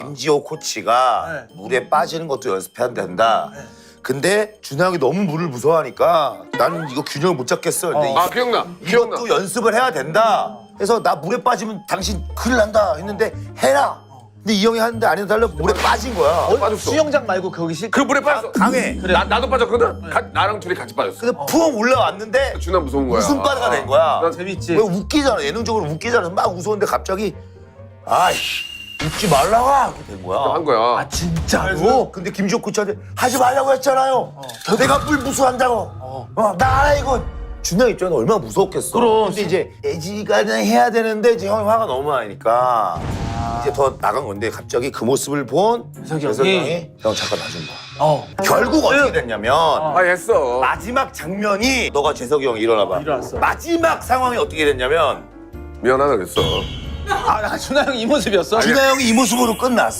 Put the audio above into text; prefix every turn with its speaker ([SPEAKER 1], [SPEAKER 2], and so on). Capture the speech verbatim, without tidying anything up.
[SPEAKER 1] 김지호 코치가
[SPEAKER 2] 네.
[SPEAKER 1] 물에 빠지는 것도 연습해야 된다. 근데 준하 형이 너무 물을 무서워하니까 나는 이거 균형을 못 잡겠어. 근데
[SPEAKER 3] 아 기억나. 기억나.
[SPEAKER 1] 이것도 연습을 해야 된다. 그래서 나 물에 빠지면 당신 큰일 난다 했는데 해라. 근데 이 형이 하는데 안 해달라 물에 빠진 거야.
[SPEAKER 3] 빠졌어.
[SPEAKER 2] 수영장 말고 거기 실.
[SPEAKER 3] 그 물에 빠졌어.
[SPEAKER 1] 강해.
[SPEAKER 3] 나 나도 빠졌거든. 가, 나랑 둘이 같이 빠졌어.
[SPEAKER 1] 근데 푹 올라왔는데
[SPEAKER 3] 준아 무서운 거야.
[SPEAKER 1] 웃음바다가 된 거야.
[SPEAKER 3] 난
[SPEAKER 2] 재밌지.
[SPEAKER 1] 왜 웃기잖아. 예능적으로 웃기잖아. 막 웃었는데 갑자기 아이씨 웃지 말라고 이렇게 된 거야.
[SPEAKER 3] 한 거야.
[SPEAKER 2] 아 진짜로?
[SPEAKER 1] 근데 김지호 코치한테 하지 말라고 했잖아요. 내가 물 무서워한다고. 어, 나 알아 이거. 준하 입장에 얼마나 무서웠겠어.
[SPEAKER 2] 그럼.
[SPEAKER 1] 근데 이제 애지간히 해야 되는데 이제 형이 화가 너무 많으니까 이제 더 나간 건데 갑자기 그 모습을 본
[SPEAKER 2] 재석이
[SPEAKER 1] 재석이
[SPEAKER 2] 형이?
[SPEAKER 1] 형이 형 잠깐 놔준 거야.
[SPEAKER 2] 어.
[SPEAKER 1] 결국 어떻게 됐냐면
[SPEAKER 3] 아 했어.
[SPEAKER 1] 마지막 장면이 너가 재석이 형 일어나봐.
[SPEAKER 2] 일어났어.
[SPEAKER 1] 마지막 상황이 어떻게 됐냐면
[SPEAKER 3] 미안하다 그랬어.
[SPEAKER 2] 아, 나 준하 형 이 모습이었어?
[SPEAKER 1] 준하 형이 이 모습으로 끝났어.